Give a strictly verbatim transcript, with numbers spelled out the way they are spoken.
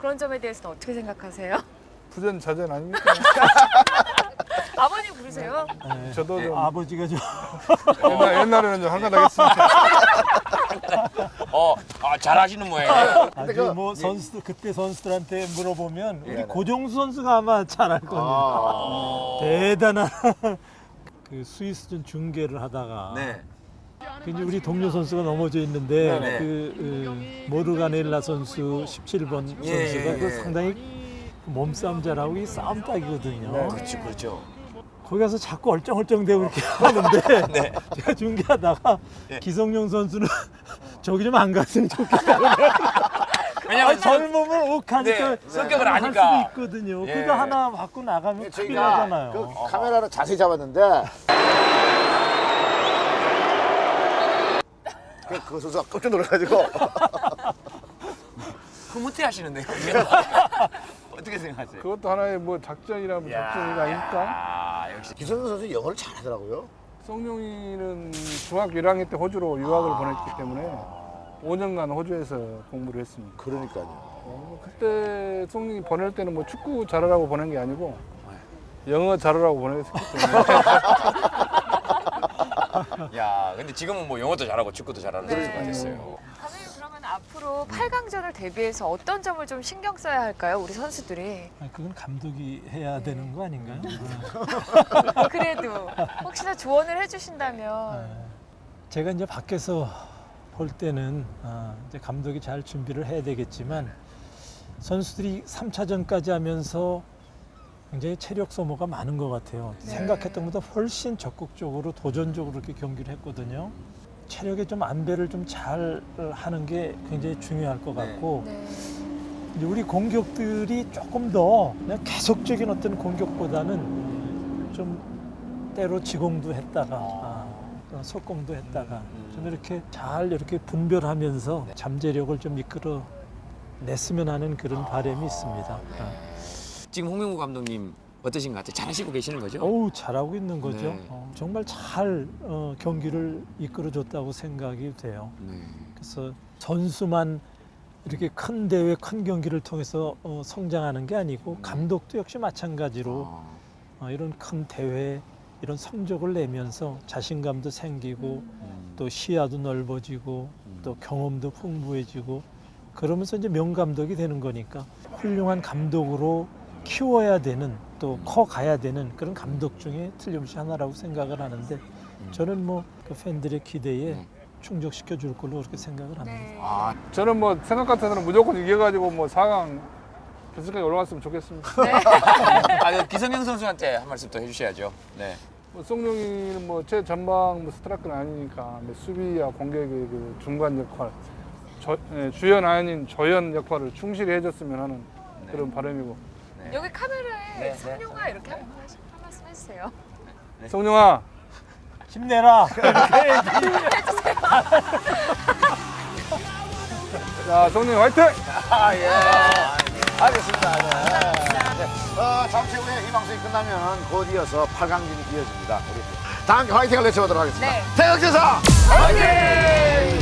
그런 점에 대해서는 어떻게 생각하세요? 부전자전 아닙니까? 아버님 부르세요? 네. 저도 좀 아버지가 좀 옛날, 옛날에는 좀 한가닥했습니다. 어, 아, 잘하시는 모양이에요. 아주 그- 뭐 선수 그때 선수들한테 물어보면 우리 네네. 고정수 선수가 아마 잘할 겁니다. 아, 대단한 그 스위스전 중계를 하다가 네. 그 이제 우리 동료 선수가 넘어져 있는데 네네. 그, 그 모르가넬라 선수 십칠 번 예, 선수가 예, 그 예. 상당히 몸싸움 잘하고 이 싸움 딱이거든요. 네. 그렇죠, 그렇죠. 거기 가서 자꾸 얼쩡얼쩡대고 이렇게 하는데 네. 제가 중계하다가 네. 기성용 선수는 저기 좀 안 갔으면 좋겠다. 왜냐면 아, 젊음을 욱하니까 네, 성격을 할 아니까. 수도 있거든요. 예. 그거 하나 받고 나가면 큰일 저희가 나잖아요. 그 카메라를 자세히 잡았는데 그, 그 선수가 깜짝 놀라가지고 흐뭇해 하시는데요. 어떻게 생각하세요? 그것도 하나의 뭐 작전이라 뭐 작전이 아닐까? 아, 역시. 기성용 선수 영어를 잘하더라고요. 송룡이는 중학교 일 학년 때 호주로 유학을 보냈기 때문에 오 년간 호주에서 공부를 했습니다. 그러니까요. 어, 그때 송룡이 보낼 때는 뭐 축구 잘하라고 보낸 게 아니고 영어 잘하라고 보냈기 때문에 야, 근데 지금은 뭐 영어도 잘하고 축구도 잘하는 네. 선수가 됐어요. 감독님 그러면 앞으로 팔 강전을 대비해서 어떤 점을 좀 신경 써야 할까요? 우리 선수들이. 아니, 그건 감독이 해야 되는 거 아닌가요? 그래도 혹시나 조언을 해주신다면. 네. 제가 이제 밖에서 볼 때는 아, 이제 감독이 잘 준비를 해야 되겠지만 선수들이 삼 차전까지 하면서 굉장히 체력 소모가 많은 것 같아요. 네. 생각했던 것보다 훨씬 적극적으로 도전적으로 이렇게 경기를 했거든요. 체력의 좀 안배를 좀 잘 하는 게 굉장히 중요할 것 같고 네. 이제 우리 공격들이 조금 더 그냥 계속적인 어떤 공격보다는 좀 때로 지공도 했다가 아, 또 속공도 했다가 좀 이렇게 잘 이렇게 분별하면서 잠재력을 좀 이끌어 냈으면 하는 그런 바람이 있습니다. 아. 지금 홍명구 감독님 어떠신 것 같아요? 잘하시고 계시는 거죠? 어우 잘하고 있는 거죠. 네. 어, 정말 잘 어, 경기를 이끌어줬다고 생각이 돼요. 네. 그래서 선수만 이렇게 큰 대회, 큰 경기를 통해서 어, 성장하는 게 아니고 감독도 역시 마찬가지로 아, 어, 이런 큰 대회, 이런 성적을 내면서 자신감도 생기고 음. 또 시야도 넓어지고 또 경험도 풍부해지고 그러면서 이제 명감독이 되는 거니까 훌륭한 감독으로 키워야 되는 또 커가야 되는 그런 감독 중에 틀림없이 하나라고 생각을 하는데 저는 뭐 그 팬들의 기대에 네. 충족시켜 줄 걸로 그렇게 생각을 합니다. 네. 아, 저는 뭐 생각 같아서는 무조건 이겨가지고 뭐 사 강 결승까지 올라갔으면 좋겠습니다. 아, 그 기성용 선수한테 한 말씀 또 해주셔야죠. 네. 뭐 송룡이는 뭐 제 전방 뭐 스트라이크는 아니니까 뭐 수비와 공격의 그 중간 역할, 저, 예, 주연 아닌 조연 역할을 충실히 해줬으면 하는 그런 바람이고. 네. 여기 카메라에 네, 네. 성룡아 이렇게 한, 말씀- 한 말씀 해주세요. 송룡아, 힘내라. 자 송룡 화이팅! 아, 예. 알겠습니다. 네. 네. 어, 잠시 후에 이 방송이 끝나면 곧 이어서 팔 강전이 이어집니다. 우리 다 함께 화이팅을 외쳐보도록 하겠습니다. 네. 태극제사 화이팅!